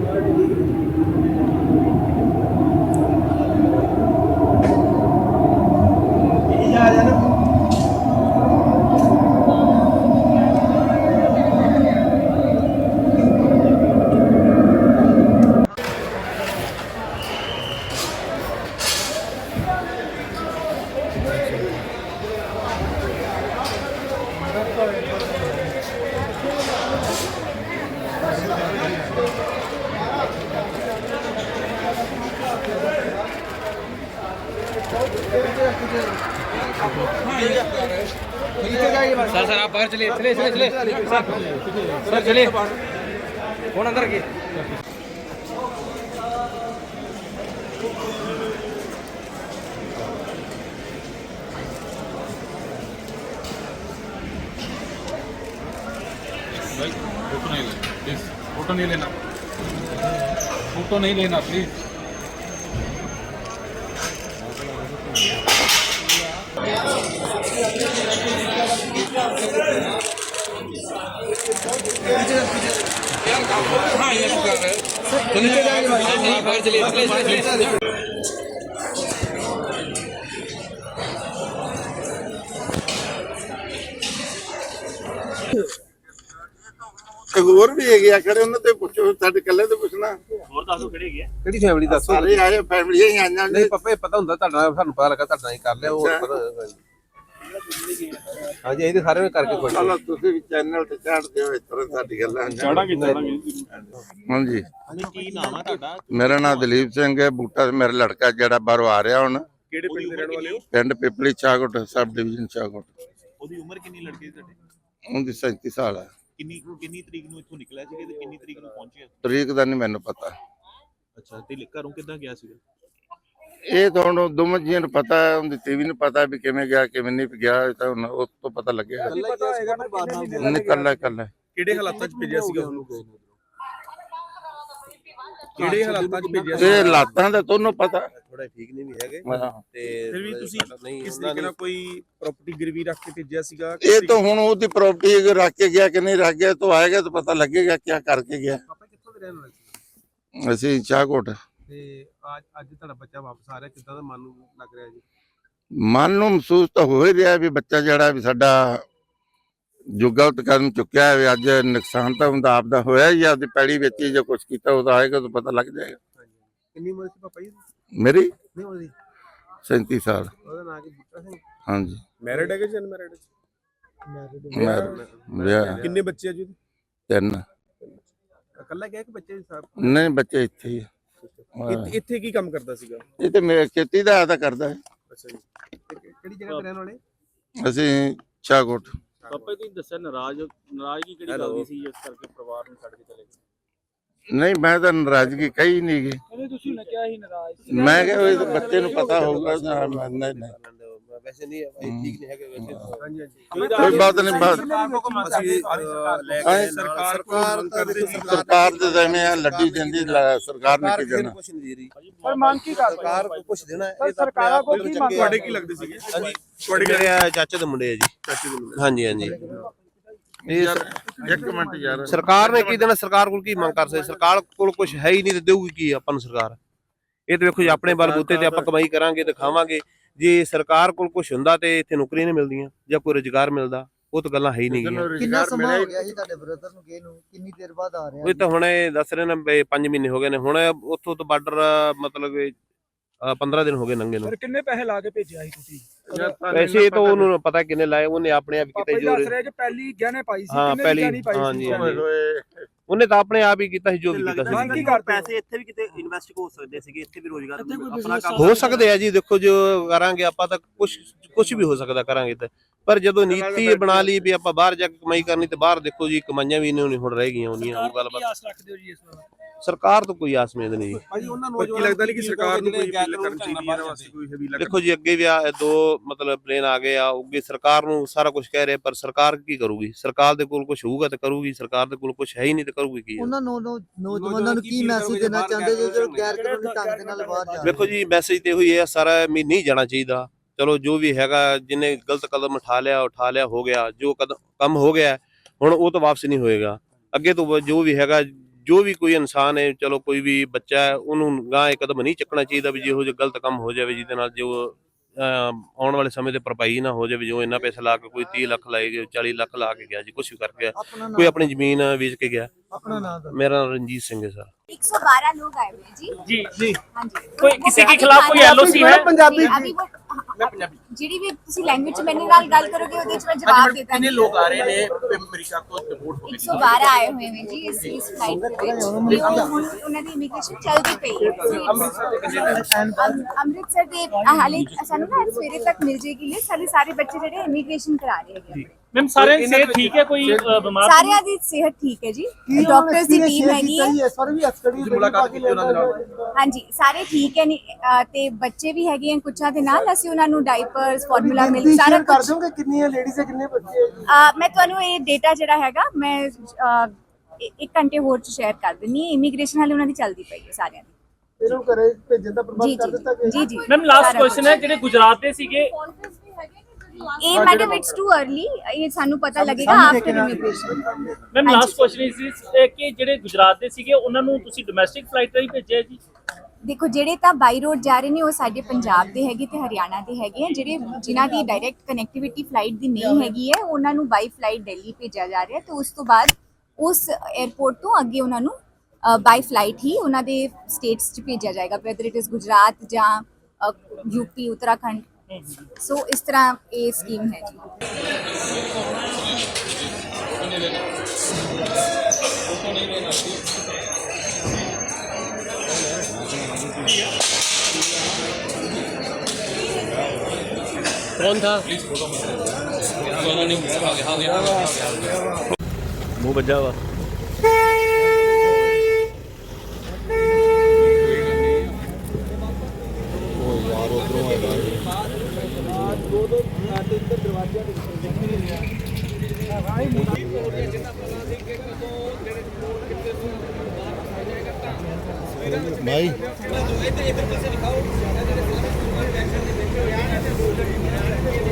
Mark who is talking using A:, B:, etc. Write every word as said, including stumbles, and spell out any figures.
A: Sir sir आप बाहर चलिए चलिए चलिए चलिए सर सर चलिए कौन अंदर की
B: भाई फोटो नहीं लेना प्लीज, फोटो नहीं लेना, फोटो नहीं लेना प्लीज। हाँ ये कर रहे हैं, बाहर चलिए चलिए चलिए।
C: ਹੋਰ ਵੀ ਹੈਗੇ ਆ ਖੜੇ, ਉਹਨਾਂ ਤੇ ਪੁੱਛੋ, ਸਾਡੇ ਕੱਲੇ ਤੇ ਪੁੱਛਣਾ।
A: ਹੋਰ ਦੱਸੋ ਕਿਹੜੀ ਹੈਗੀ ਹੈ,
D: ਕਿਹੜੀ ਫੈਮਿਲੀ ਦੱਸੋ?
C: ਸਾਰੇ ਆਏ ਫੈਮਲੀਆਂ ਹੀ ਆਈਆਂ ਨੇ।
D: ਨਹੀਂ ਪੱਪੇ ਪਤਾ ਹੁੰਦਾ ਤੁਹਾਡਾ, ਸਾਨੂੰ ਪਤਾ ਲੱਗਾ ਤੁਹਾਡਾ ਹੀ ਕਰ ਲਿਆ, ਹੋਰ ਪਤਾ ਹਾਂਜੀ ਇਹਦੇ ਸਾਰੇ ਕਰਕੇ ਕੋਈ
C: ਚਲੋ ਤੁਸੀਂ ਵੀ ਚੈਨਲ ਤੇ ਚਾੜਦੇ ਹੋ, ਇਸ ਤਰ੍ਹਾਂ ਸਾਡੀ ਗੱਲਾਂ
B: ਚਾੜਾਂਗੇ ਚਾੜਾਂਗੇ।
C: ਹਾਂਜੀ
A: ਕੀ ਨਾਮ ਹੈ ਤੁਹਾਡਾ?
C: ਮੇਰਾ ਨਾਮ ਦਲੀਪ ਸਿੰਘ ਹੈ। ਬੂਟਾ ਮੇਰਾ ਲੜਕਾ ਜਿਹੜਾ ਬਾਹਰੋਂ ਆ ਰਿਹਾ ਹੁਣ।
A: ਕਿਹੜੇ ਪਿੰਡ ਦੇ ਰਹਿਣ ਵਾਲੇ ਹੋ?
C: ਪਿੰਡ ਪਿਪਲੀ ਚਾਗੋਟ, ਸਬ ਡਿਵੀਜ਼ਨ ਚਾਗੋਟ।
A: ਉਹਦੀ ਉਮਰ ਕਿੰਨੀ ਲੜਕੇ ਦੀ ਤੁਹਾਡੇ?
C: ਉਹਦੀ ਸੈਂਤੀ ਸਾਲ ਹੈ।
A: ਕਿੰਨੀ ਕਿੰਨੀ ਤਰੀਕ ਨੂੰ ਇੱਥੋਂ ਨਿਕਲਿਆ ਸੀਗਾ ਤੇ ਕਿੰਨੀ ਤਰੀਕ ਨੂੰ ਪਹੁੰਚਿਆ?
C: ਤਰੀਕ ਦਾ ਨਹੀਂ ਮੈਨੂੰ ਪਤਾ।
A: ਅੱਛਾ, ਤੇ ਘਰੋਂ ਕਿੱਦਾਂ ਗਿਆ ਸੀਗਾ?
C: ਇਹ ਤਾਂ ਹੁਣ ਦੋਵਾਂ ਜੀਆਂ ਨੂੰ ਪਤਾ ਹੈ, ਉਹਦੀ ਟੀਵੀ ਨੂੰ ਪਤਾ ਵੀ ਕਿਵੇਂ ਗਿਆ ਕਿਵੇਂ ਨਹੀਂ ਗਿਆ, ਇਹ ਤਾਂ ਹੁਣ ਉਸ ਤੋਂ ਪਤਾ ਲੱਗੇਗਾ। ਨਿਕਲਣਾ ਕੱਲਾ
A: ਕਿਹੜੇ ਹਾਲਾਤਾਂ 'ਚ ਭੇਜਿਆ ਸੀਗਾ ਉਹਨੂੰ? ਕਿਹੜੇ ਹਾਲਾਤਾਂ 'ਚ ਭੇਜਿਆ ਸੀ?
C: ਇਹ ਲਾਤਾਂ ਦਾ ਤੁਹਾਨੂੰ ਪਤਾ।
D: ਥੋੜਾ ਠੀਕ ਨਹੀਂ ਵੀ ਹੈਗੇ
C: ਹਾਂ।
D: ਤੇ
A: ਫਿਰ ਵੀ ਤੁਸੀਂ ਕਿਸ ਤਰੀਕੇ ਨਾਲ ਕੋਈ ਪ੍ਰਾਪਰਟੀ ਗਿਰਵੀ ਰੱਖ ਕੇ ਭੇਜਿਆ ਸੀਗਾ?
C: ਇਹ ਤਾਂ ਹੁਣ ਉਹਦੀ ਪ੍ਰਾਪਰਟੀ ਰੱਖ ਕੇ ਗਿਆ ਕਿ ਨਹੀਂ ਰੱਖ ਗਿਆ, ਤਾਂ ਆਏਗਾ ਤਾਂ ਪਤਾ ਲੱਗੇਗਾ ਕੀ ਕਰਕੇ ਗਿਆ।
D: ਪਾਪਾ ਕਿੱਥੋਂ ਦੇ ਰਹਿਣ ਵਾਲੇ ਸੀ?
C: ਅਸੀਂ ਚਾਗੋਟ।
D: ਤੇ ਅੱਜ ਅੱਜ ਤੁਹਾਡਾ ਬੱਚਾ ਵਾਪਸ ਆ ਰਿਹਾ, ਕਿੱਦਾਂ ਦਾ ਮਨ ਨੂੰ ਲੱਗ ਰਿਹਾ ਜੀ?
C: ਮਨ ਨੂੰ ਮਹਿਸੂਸ ਤਾਂ ਹੋ ਹੀ ਰਿਹਾ ਵੀ ਬੱਚਾ ਜਿਹੜਾ ਵੀ ਸਾਡਾ ਜੋ ਗਲਤ ਕਦਮ ਚੁੱਕਿਆ ਹੈ, ਅੱਜ ਨੁਕਸਾਨ ਤਾਂ ਹੁੰਦਾ ਆਪਦਾ ਹੋਇਆ ਹੀ, ਆਪਦੀ ਪੈੜੀ ਵਿੱਚ ਜੇ ਕੁਝ ਕੀਤਾ ਉਹਦਾ ਆਏਗਾ ਤਾਂ ਪਤਾ ਲੱਗ ਜਾਏਗਾ।
D: ਕਿੰਨੀ ਉਮਰ ਸੀ ਪਾਪਾ ਜੀ?
C: ਮੇਰੀ
D: ਨਹੀਂ ਉਹਦੀ
C: ਸੈਂਤੀ ਸਾਲ।
D: ਉਹਦਾ ਨਾਂ ਕੀ ਬੂਟਾ ਸਿੰਘ?
C: ਹਾਂਜੀ।
A: ਮੈਰਿਡ ਹੈਗੇ ਜਾਂ ਅਨਮੈਰਿਡ?
C: ਵਿਆਹ
A: ਕਿੰਨੇ ਬੱਚੇ ਆ ਜੀ?
C: ਤਿੰਨ।
D: ਇਕੱਲਾ ਗਿਆ ਕਿ ਬੱਚੇ ਸਾਹਿਬ?
C: ਨਹੀਂ ਬੱਚੇ ਇੱਥੇ ਹੀ ਆ।
A: ਇੱਥੇ ਕੀ ਕੰਮ ਕਰਦਾ ਸੀਗਾ?
C: ਇਹ ਤੇ ਮੇਰੇ ਖੇਤੀ ਦਾ ਆਦਾ ਕਰਦਾ ਹੈ।
A: ਅੱਛਾ ਜੀ।
D: ਕਿਹੜੀ ਜਗ੍ਹਾ ਤੇ ਰਹਿਣ ਵਾਲੇ?
C: ਅਸੀਂ ਚਾਗੋਟ।
A: ਪਾਪਾ ਜੀ ਦੱਸਿਆ ਨਾਰਾਜ਼ ਨਾਰਾਜ਼ਗੀ ਕਿਹੜੀ ਗੱਲ ਦੀ ਸੀ ਜਿਸ ਕਰਕੇ ਪਰਿਵਾਰ ਨੂੰ ਛੱਡ ਕੇ ਚਲੇ ਗਏ?
C: ਨਹੀਂ ਮੈਂ ਤਾਂ ਨਾਰਾਜ਼ਗੀ ਕਹੀ ਨਹੀਂ ਗਈ।
A: ਨਹੀਂ ਤੁਸੀਂ ਨਾ ਕਿਹਾ ਹੀ ਨਾਰਾਜ਼।
C: ਮੈਂ ਕਿਹਾ ਉਹ ਬੱਚੇ ਨੂੰ ਪਤਾ ਹੋਊਗਾ। ਨਹੀਂ ਨਹੀਂ
D: ਵੈਸੇ ਨਹੀਂ ਭਾਈ ਠੀਕ ਨਹੀਂ ਹੈਗੇ ਵੈਸੇ। ਹਾਂਜੀ ਹਾਂਜੀ
C: ਕੋਈ ਬਾਤ ਨਹੀਂ। ਬਾਤ
D: ਸਰਕਾਰ
C: ਸਰਕਾਰ ਦੇ ਦੇਣੇ ਆ, ਲੱਡੀ ਦਿੰਦੀ ਸਰਕਾਰ ਨੇ ਕੀ ਦੇਣਾ।
D: ਕੁਝ ਨਹੀਂ ਦੇ ਰਹੀ
A: ਪਰ ਮੰਗ ਕੀ ਕਰ
D: ਸਰਕਾਰ ਕੁਝ ਦੇਣਾ ਹੈ। ਇਹ
A: ਸਰਕਾਰਾਂ ਕੋਲ ਕੀ ਮੰਗ? ਤੁਹਾਡੇ ਕੀ ਲੱਗਦੇ ਸੀਗੇ?
D: ਹਾਂਜੀ ਤੁਹਾਡੇ ਮੇਰੇ ਚਾਚੇ ਦੇ ਮੁੰਡੇ ਆ ਜੀ। ਚਾਚੇ ਦੇ ਮੁੰਡੇ। ਹਾਂਜੀ ਹਾਂਜੀ ਇਹ
C: ਇੱਕ ਮਿੰਟ ਯਾਰ,
D: ਸਰਕਾਰ ਨੇ ਕੀ ਦੇਣਾ? ਸਰਕਾਰ ਕੋਲ ਕੀ ਮੰਗ ਕਰ ਸਕਦੇ? ਸਰਕਾਰ ਕੋਲ ਕੁਝ ਹੈ ਹੀ ਨਹੀਂ ਤੇ ਦੇਊਗੀ ਕੀ ਆਪਾਂ ਨੂੰ ਸਰਕਾਰ? ਇਹ ਤੇ ਵੇਖੋ ਜੀ ਆਪਣੇ ਬਲਬੂਤੇ ਤੇ ਆਪਾਂ ਕਮਾਈ ਕਰਾਂਗੇ ਤੇ ਖਾਵਾਂਗੇ। ਜੇ ਸਰਕਾਰ ਕੋਲ ਕੁਝ ਹੁੰਦਾ ਤੇ ਇੱਥੇ ਨੌਕਰੀਆਂ ਨਹੀਂ ਮਿਲਦੀਆਂ ਜਾਂ ਕੋਈ ਰੁਜ਼ਗਾਰ ਮਿਲਦਾ, ਉਹ ਤਾਂ ਗੱਲਾਂ ਹੈ ਹੀ ਨਹੀਂ ਗਈਆਂ।
E: ਕਿੰਨਾ ਸਮਾਂ ਹੋ ਗਿਆ ਜੀ ਤੁਹਾਡੇ ਬ੍ਰਦਰ ਨੂੰ ਗਏ ਨੂੰ? ਕਿੰਨੀ ਦੇਰ ਬਾਅਦ ਆ ਰਿਹਾ?
D: ਉਹ ਤਾਂ ਹੁਣ ਦੱਸ ਰਹੇ ਨੇ ਪੰਜ ਮਹੀਨੇ ਹੋ ਗਏ ਨੇ। ਹੁਣ ਉੱਥੋਂ ਤੋਂ ਬਾਰਡਰ ਮਤਲਬ ਪੰਦਰਾਂ ਦਿਨ ਹੋ ਗਏ ਨੰਗੇ ਨੂੰ।
A: ਸਰ ਕਿੰਨੇ ਪੈਸੇ ਲਾ ਕੇ ਭੇਜਿਆ ਸੀ ਤੁਸੀਂ?
D: ਪੈਸੇ ਤਾਂ ਉਹਨੂੰ ਪਤਾ ਕਿੰਨੇ ਲਾਏ, ਉਹਨੇ ਆਪਣੇ ਆਪ ਕੀਤਾ ਜੋ
A: ਪਹਿਲੀ ਗਹਿਣੇ ਪਾਈ ਸੀ।
D: ਹਾਂ ਪਹਿਲੀ ਹਾਂਜੀ ਉਹਨੇ ਤਾਂ ਆਪਣੇ ਆਪ ਹੀ ਕੀਤਾ ਸੀ ਜੋ ਵੀ ਕੀਤਾ ਸੀ।
A: ਮੰਗ ਕੀ ਕਰਦੇ? ਪੈਸੇ ਇੱਥੇ ਵੀ ਕਿਤੇ ਇਨਵੈਸਟ ਹੋ ਸਕਦੇ ਸੀਗੇ, ਇੱਥੇ ਵੀ ਰੋਜ਼ਗਾਰ ਆਪਣਾ ਕੰਮ
D: ਹੋ ਸਕਦੇ ਆ ਜੀ। ਦੇਖੋ ਜੋ ਕਰਾਂਗੇ ਆਪਾਂ ਤਾਂ ਕੁਝ ਕੁਝ ਵੀ ਹੋ ਸਕਦਾ ਕਰਾਂਗੇ ਤਾਂ, ਪਰ ਜਦੋਂ ਨੀਤੀ ਬਣਾ ਲਈ ਵੀ ਆਪਾਂ ਬਾਹਰ ਜਾ ਕੇ ਕਮਾਈ ਕਰਨੀ ਤੇ ਬਾਹਰ ਦੇਖੋ ਜੀ ਕਮਾਈਆਂ ਵੀ ਨਹੀਂ ਹੁਣ ਰਹਿ ਗਈਆਂ ਉਹਨੀਆਂ। ਉਹ ਗੱਲਬਾਤ
A: ਆਸ ਰੱਖਦੇ ਹੋ ਜੀ ਇਸ ਵਾਰ?
D: ਸਰਕਾਰ ਤੋਂ ਕੋਈ ਆਸ ਉਮੀਦ ਨਹੀਂ ਜੀ।
A: ਭਾਜੀ ਉਹਨਾਂ ਨੂੰ ਕੀ ਲੱਗਦਾ ਨਹੀਂ ਕਿ ਸਰਕਾਰ ਨੂੰ ਕੋਈ ਅਪੀਲ ਕਰਨੀ ਚਾਹੀਦੀ ਹੈ ਇਹਨਾਂ ਵਾਸਤੇ? ਕੋਈ ਹੈਵੀ
D: ਦੇਖੋ ਜੀ ਅੱਗੇ ਵੀ ਆ ਦੋ ਮਤਲਬ ਪਲੇਨ ਆ ਗਏ ਆ, ਅੱਗੇ ਸਰਕਾਰ ਨੂੰ ਸਾਰਾ ਕੁਝ ਕਹਿ ਰਹੇ, ਪਰ ਸਰਕਾਰ ਕੀ ਕਰੂਗੀ? ਸਰਕਾਰ ਦੇ ਕੋਲ ਕੁਝ ਹੋਊਗਾ ਤੇ ਕਰੂਗੀ, ਸਰਕਾਰ ਦੇ ਕੋਲ ਕੁਝ ਹੈ ਹੀ ਨਹੀਂ ਤੇ ਕਰੂਗੀ ਕੀ?
E: ਉਹਨਾਂ ਨੂੰ ਨੌਜਵਾਨਾਂ ਨੂੰ ਕੀ ਮੈਸੇਜ ਦੇਣਾ ਚਾਹੁੰਦੇ ਜੋ ਜੋ ਗੈਰ ਕਾਨੂੰਨੀ ਢੰਗ ਦੇ ਨਾਲ ਬਾਹਰ ਜਾ?
D: ਦੇਖੋ ਜੀ ਮੈਸੇਜ ਤੇ ਇਹੀ ਹੈ, ਸਾਰਾ ਵੀ ਨਹੀਂ ਜਾਣਾ ਚਾਹੀਦਾ। ਚਲੋ ਜੋ ਵੀ ਹੈਗਾ, ਜਿਹਨੇ ਗਲਤ ਕਦਮ ਉਠਾ ਲਿਆ ਉਠਾ ਲਿਆ ਹੋ ਗਿਆ, ਜੋ ਕਦਮ ਕੰਮ ਹੋ ਗਿਆ ਹੁਣ ਉਹ ਤਾਂ ਵਾਪਸ ਨਹੀਂ ਹੋਏਗਾ। ਅੱਗੇ ਤੋਂ ਜੋ ਵੀ ਹੈਗਾ ਜੋ ਵੀ ਕੋਈ ਇਨਸਾਨ ਹੈ, ਚਲੋ ਕੋਈ ਵੀ ਬੱਚਾ ਹੈ, ਉਹਨੂੰ ਗਾਂ ਇੱਕ ਕਦਮ ਨਹੀਂ ਚੱਕਣਾ ਚਾਹੀਦਾ ਵੀ ਜਿਹੋ ਜਿਹਾ ਗਲਤ ਕੰਮ ਹੋ ਜਾਵੇ ਜਿਹਦੇ ਨਾਲ ਜੋ ਅਹ, ਆਉਣ ਵਾਲੇ ਸਮੇਂ ਤੇ ਭਰਪਾਈ ਨਾ ਹੋ ਜਾਵੇ। ਜੋ ਇੰਨਾ ਪੈਸਾ ਲਾ ਕੇ ਕੋਈ ਤੀਹ ਲੱਖ ਲਾਏ ਗਏ, ਚਾਲੀ ਲੱਖ ਲਾ ਕੇ ਗਿਆ ਜੀ, ਕੁਛ ਵੀ ਕਰ ਗਿਆ, ਕੋਈ ਆਪਣੀ ਜ਼ਮੀਨ ਵੇਚ ਕੇ ਗਿਆ।
E: अपना नाम
D: मेरा नाम रंजीत सिंह है सर।
F: एक सौ बारह लोग आए हुए हैं जी
G: जी जी
F: हाँ जी
G: कोई किसी के खिलाफ कोई एलओसी है?
F: पंजाबी अभी वो ਜਿਹੜੀ ਵੀ ਤੁਸੀਂ ਲੈਂਗੁਏਜ ਚ ਮੇਰੇ ਨਾਲ ਗੱਲ ਕਰੋਗੇ ਉਹਦੇ ਚ ਮੈਂ ਜਵਾਬ ਦੇ ਦਾਂਗੀ।
H: ਕਿੰਨੇ ਲੋਕ ਆ ਰਹੇ ਨੇ ਅਮਰੀਕਾ ਤੋਂ ਡਿਪੋਰਟ ਹੋ
F: एक सौ बारह आए हुए हैं जी इस इस फ्लाइट ਦੇ ਵਿੱਚ ਤੇ ਉਹ ਹੁਣ ਉਹਨਾਂ ਦੀ ਇਮੀਗ੍ਰੇਸ਼ਨ ਚੱਲਦੀ ਪਈ ਹੈ। ਅੰਮ੍ਰਿਤਸਰ ਦੇ ਹਾਲੇ ਸਾਨੂੰ ਨਾ ਸਵੇਰੇ ਤੱਕ ਮਿਲ ਜੇਗੀ ਲਿਸਟ। ਸਾਡੇ ਸਾਰੇ ਬੱਚੇ ਜਿਹੜੇ ਇਮੀਗ੍ਰੇਸ਼ਨ ਕਰਾ ਰਹੇ ਹੈਗੇ।
G: मैम सारे सेहत ठीक है, कोई अ, बीमार तो
F: ਸਾਰਿਆਂ ਦੀ ਸਿਹਤ ਠੀਕ ਹੈ ਜੀ, ਡਾਕਟਰਸ ਦੀ ਟੀਮ ਹੈਗੀ ਹੈ।
H: ਮੁਲਾਕਾਤ ਕੀਤੀ ਉਹਨਾਂ ਦੇ ਨਾਲ?
F: ਹਾਂਜੀ ਸਾਰੇ ਠੀਕ ਹੈ ਨੀ- ਅਹ ਤੇ ਬੱਚੇ ਵੀ ਹੈਗੇ ਆ ਕੁਛਾਂ ਦੇ ਨਾਲ। ਅਸੀਂ ਉਹਨਾਂ ਨੂੰ ਡਾਈਪਰਸ ਫਾਰਮੂਲਾ ਮਿਲਕ ਸਾਰਾ
E: कर
F: ਕੁਝ
E: दोगे कितनी है लेडीज है कितने बच्चे हैं?
F: ਅਹ ਮੈਂ ਤੁਹਾਨੂੰ ਇਹ ਡੇਟਾ ਜਿਹੜਾ ਹੈਗਾ ਮੈਂ ਅਹ, ਇ- ਇੱਕ ਘੰਟੇ ਹੋਰ ਚ ਸ਼ੇਅਰ ਕਰ ਦਿੰਨੀ ਹਾਂ। ਇਮੀਗ੍ਰੇਸ਼ਨ ਹਾਲੇ ਉਹਨਾਂ ਦੀ ਚੱਲਦੀ ਪਈ ਹੈ ਸਾਰਿਆਂ ਦੀ।
E: ਇਹਨੂੰ ਘਰੇ ਭੇਜਣ ਦਾ
F: ਜੀ
E: ਪ੍ਰਬੰਧ ਕਰ ਦਿੱਤਾ
F: ਜੀ ਜੀ ਜੀ
G: मैम लास्ट
F: ਸਾਰਾ
G: क्वेश्चन है
F: ਕੁਛ।
G: ਜਿਹੜੇ ਗੁਜਰਾਤ ਦੇ ਸੀਗੇ
F: ਇਹ ਮੈਡਮ ਇਟਸ ਟੂ अर्ਲੀ, ਇਹ ਸਾਨੂੰ ਪਤਾ ਲੱਗੇਗਾ after immigration.
G: Ma'am last question ਇਸ ਕਿ ਜਿਹੜੇ ਗੁਜਰਾਤ ਦੇ ਸੀਗੇ ਉਹਨਾਂ ਨੂੰ ਤੁਸੀਂ ਡੋਮੈਸਟਿਕ ਫਲਾਈਟ ਰਾਹੀਂ ਭੇਜਿਆ ਜੀ?
F: ਦੇਖੋ ਜਿਹੜੇ ਤਾਂ ਬਾਈ ਰੋਡ ਜਾ ਰਹੇ ਨੇ ਉਹ ਸਾਡੇ ਪੰਜਾਬ ਦੇ ਹੈਗੇ ਤੇ ਹਰਿਆਣਾ ਦੇ ਹੈਗੇ ਆ। ਜਿਹੜੇ ਜਿਨ੍ਹਾਂ ਦੀ ਡਾਇਰੈਕਟ ਕਨੈਕਟੀਵਿਟੀ ਫਲਾਈਟ ਦੀ ਨਹੀਂ ਹੈਗੀ ਹੈ ਉਹਨਾਂ ਨੂੰ ਬਾਈ ਫਲਾਈਟ ਦਿੱਲੀ ਭੇਜਿਆ ਜਾ ਰਿਹਾ ਤੇ ਉਸ ਤੋਂ ਬਾਅਦ ਉਸ 에ਅਰਪੋਰਟ ਤੋਂ ਅੱਗੇ ਉਹਨਾਂ ਨੂੰ ਬਾਈ ਫਲਾਈਟ ਹੀ ਉਹਨਾਂ ਦੇ ਸਟੇਟਸ 'ਚ ਭੇਜਿਆ ਜਾਏਗਾ, ਵੈਦਰ ਇਟ ਇਜ਼ ਗੁਜਰਾਤ ਜਾਂ ਯੂਪੀ ਉੱਤਰਾਖੰਡ। ਸੋ ਇਸ ਤਰ੍ਹਾਂ ਇਹ ਸਕੀਮ ਹੈ ਜੀ।
G: ਮੂੰਹ ਵੱਜਾ ਵਾ।
C: ਭਾਈ